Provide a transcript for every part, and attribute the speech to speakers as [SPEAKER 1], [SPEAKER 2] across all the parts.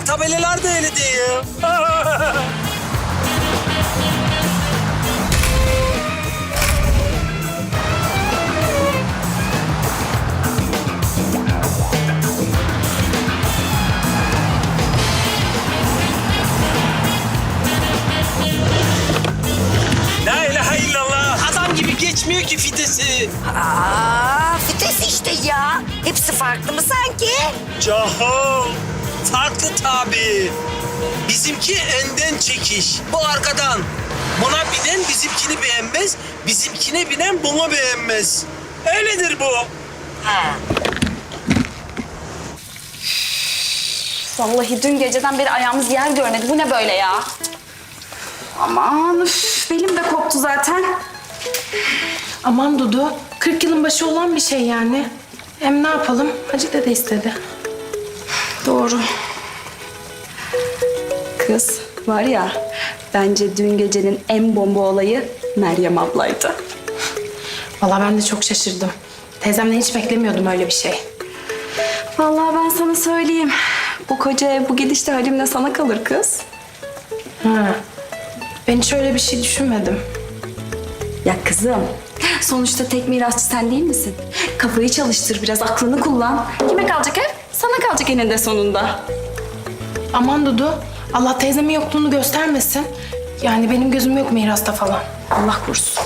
[SPEAKER 1] Bak tabelalar da öyle diyor. La ilahe illallah. Adam gibi geçmiyor ki fitesi.
[SPEAKER 2] Vites işte ya. Hepsi farklı mı sanki?
[SPEAKER 1] Caho. Farklı tabii. Bizimki önden çekiş. Bu arkadan. Buna binen bizimkini beğenmez. Bizimkine binen bunu beğenmez. Öyledir bu.
[SPEAKER 3] Vallahi dün geceden beri ayağımız yer görmedi. Bu ne böyle ya? Aman üf, belim de koptu zaten.
[SPEAKER 4] Aman Dudu, 40 yılın başı olan bir şey yani. Hem ne yapalım? Hacı dede istedi.
[SPEAKER 3] Doğru. Kız var ya, bence dün gecenin en bomba olayı Meryem ablaydı.
[SPEAKER 4] Vallahi ben de çok şaşırdım. Teyzemden hiç beklemiyordum öyle bir şey.
[SPEAKER 3] Vallahi ben sana söyleyeyim. Bu koca ev bu gidişte halimle sana kalır kız.
[SPEAKER 4] Ha. Ben hiç öyle bir şey düşünmedim.
[SPEAKER 3] Ya kızım, sonuçta tek mirasçı sen değil misin? Kafayı çalıştır biraz, aklını kullan. Kime kalacak ev? Sana kalacak eninde sonunda.
[SPEAKER 4] Aman Dudu, Allah teyzemin yokluğunu göstermesin. Yani benim gözüm yok mirasta falan.
[SPEAKER 3] Allah korusun.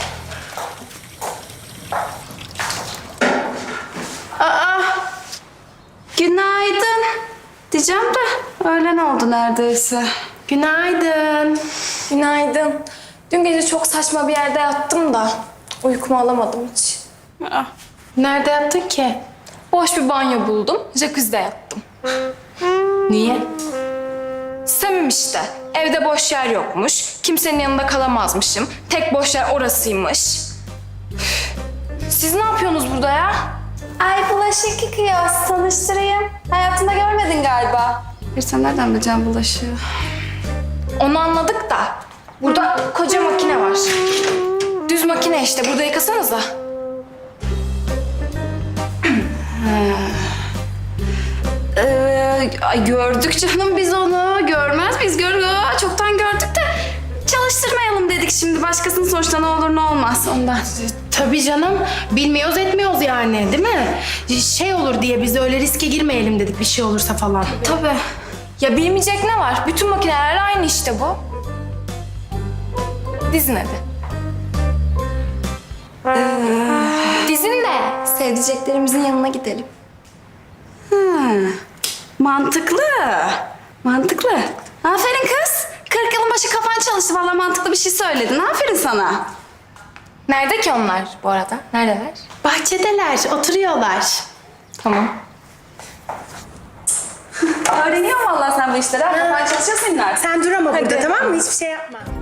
[SPEAKER 3] Günaydın. Diyeceğim de öğlen oldu neredeyse.
[SPEAKER 4] Günaydın.
[SPEAKER 5] Günaydın. Dün gece çok saçma bir yerde yattım da uykumu alamadım hiç.
[SPEAKER 4] Nerede yattın ki?
[SPEAKER 5] Boş bir banyo buldum, jacuzzi'de yattım.
[SPEAKER 4] Niye?
[SPEAKER 5] Sevim işte. Evde boş yer yokmuş, kimsenin yanında kalamazmışım. Tek boş yer orasıymış. Üf. Siz ne yapıyorsunuz burada ya? Ay bulaşık yıkıyoruz, tanıştırayım. Hayatında görmedin galiba.
[SPEAKER 3] Bir sen nereden bileceksin bulaşığı?
[SPEAKER 5] Onu anladık da burada koca makine var. Düz makine işte, burada yıkasanıza.
[SPEAKER 3] Ay gördük canım biz onu. Görmez miyiz? Çoktan gördük de çalıştırmayalım dedik şimdi. Başkasının sonuçta ne olur ne olmaz ondan.
[SPEAKER 4] Tabii canım. Bilmiyoruz etmiyoruz yani değil mi? Şey olur diye biz de öyle riske girmeyelim dedik bir şey olursa falan.
[SPEAKER 5] Tabii. Ya bilmeyecek ne var? Bütün makineler aynı işte bu. Dizin hadi. Dizin de sevdiceklerimizin yanına gidelim.
[SPEAKER 3] Mantıklı. Mantıklı. Aferin kız. 40 yılın başı kafan çalıştı. Vallahi mantıklı bir şey söyledin. Aferin sana.
[SPEAKER 5] Nerede ki onlar bu arada? Neredeler?
[SPEAKER 4] Bahçedeler, oturuyorlar.
[SPEAKER 5] Tamam.
[SPEAKER 3] Öğreniyorsun vallahi sen bu işleri. Kafan çalışıyor senin artık.
[SPEAKER 4] Sen dur ama burada
[SPEAKER 5] Hadi.
[SPEAKER 4] tamam mı? Hiçbir şey yapma.